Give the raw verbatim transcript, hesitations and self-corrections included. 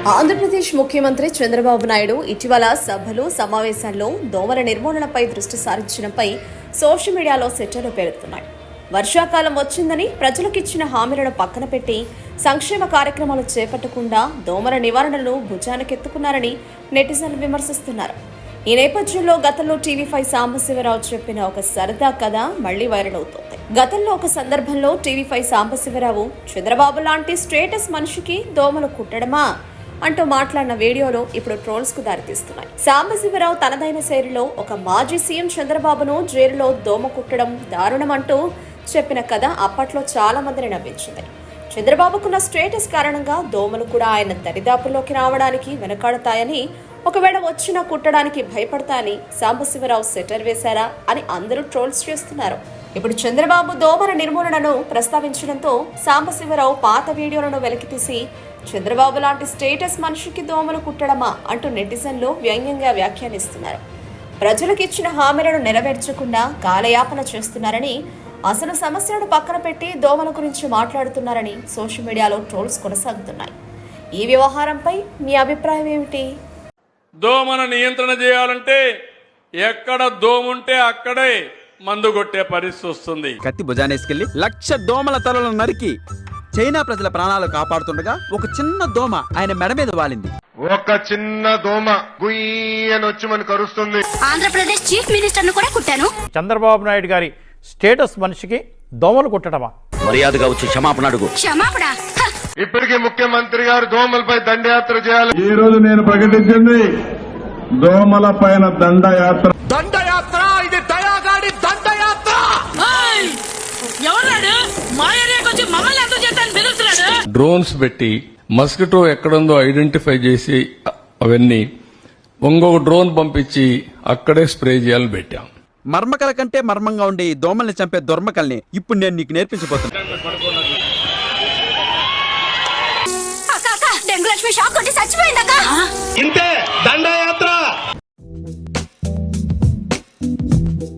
ఆంధ్రప్రదేశ్ ముఖ్యమంత్రి చంద్రబాబు నాయుడు ఇటీవల సభలు సమావేశాల్లో దోమల నిర్మూలనపై దృష్టి సారించడంపై సోషల్ మీడియాలో సెటర్లు పేరుతున్నాయి. వర్షాకాలం వచ్చిందని ప్రజలకిచ్చిన హామీలను పక్కన పెట్టి సంక్షేమ కార్యక్రమాలు చేపట్టకుండా దోమల నివారణను భుజానికెత్తుకున్నారని నెటిజన్లు విమర్శిస్తున్నారు. ఈ నేపథ్యంలో గతంలో టీవీ ఫైవ్ సాంబశివరావు చెప్పిన ఒక సరదా కథ మళ్లీ వైరల్ అవుతోంది. గతంలో ఒక సందర్భంలో టీవీ ఫైవ్ సాంబశివరావు చంద్రబాబు లాంటి స్టేటస్ మనిషికి దోమలు కుట్టడమా అంటూ మాట్లాడిన వీడియోలో ఇప్పుడు ట్రోల్స్ కు దారితీస్తున్నాయి. సాంబశివరావు తనదైన శైలిలో ఒక మాజీ సీఎం చంద్రబాబును జైలులో దోమ కుట్టడం దారుణం అంటూ చెప్పిన కథ అప్పట్లో చాలా మందిని నవ్వించింది. చంద్రబాబుకున్న స్టేటస్ కారణంగా దోమలు కూడా ఆయన దరిదాపుల్లోకి రావడానికి వెనకాడతాయని, ఒకవేళ వచ్చినా కుట్టడానికి భయపడతాయని సాంబశివరావు సెటర్ వేశారా అని అందరూ ట్రోల్స్ చేస్తున్నారు. ఇప్పుడు చంద్రబాబు దోమల నిర్మూలనను ప్రస్తావించడంతో సాంబశివరావు పాత వీడియోలను వెలికితీసి చంద్రబాబు లాంటి స్టేటస్ మనిషికి దోమలు కుట్టడమా అంటూ నెటిజన్లు వ్యంగ్యంగా వ్యాఖ్యానిస్తున్నారు. ప్రజలకు ఇచ్చిన హామీలను నెరవేర్చకుండా కాలయాపన చేస్తున్నారని, అసలు సమస్యలను పక్కన పెట్టి దోమల గురించి మాట్లాడుతున్నారని సోషల్ మీడియాలో ట్రోల్స్ కొనసాగుతున్నాయి. ఈ వ్యవహారంపై మీ అభిప్రాయం ఏమిటి? దోమల నియంత్రణ చేయాలంటే ఎక్కడ దోముంటే అక్కడే మందు కొట్టే పరిస్థితి వస్తుంది. కత్తి భుజానేసుకెళ్లి లక్ష దోమల తలలను నరికి చైనా ప్రజల ప్రాణాలు కాపాడుతుండగా ఒక చిన్న దోమ ఆయన మెడ మీద వాలింది. ఒక చిన్న దోమ గుయ్యని వచ్చి మనకు కరుస్తుంది. ఆంధ్రప్రదేశ్ చీఫ్ మినిస్టర్ ను కూడా కుట్టాను. చంద్రబాబు నాయుడు గారి స్టేటస్ మనిషికి దోమలు కుట్టడమా? మర్యాదగా వచ్చి క్షమాపణ అడుగు. క్షమాపణ? ఇప్పటికీ ముఖ్యమంత్రి గారు దోమలపై దండయాత్ర చేయాలి. ఈ రోజు నేను ప్రకటించింది దోమల పైన దండయాత్ర. దండయాత్ర ఇది దయాగాడి దండయాత్ర. డ్రోన్స్ పెట్టి మస్కిటో ఎక్కడుందో ఐడెంటిఫై చేసి అవన్నీ ఇంకొక డ్రోన్ పంపించి అక్కడే స్ప్రే చేయాలని పెట్టాం. మర్మకల కంటే మర్మంగా ఉండే ఈ దోమల్ని చంపే దుర్మకల్ని ఇప్పుడు నేను నీకు నేర్పించబోతున్నా. డెంగు లక్ష్మి షాక్ కొట్టి చచ్చిపోయిందక్క. ఇంతే దండయాత్ర.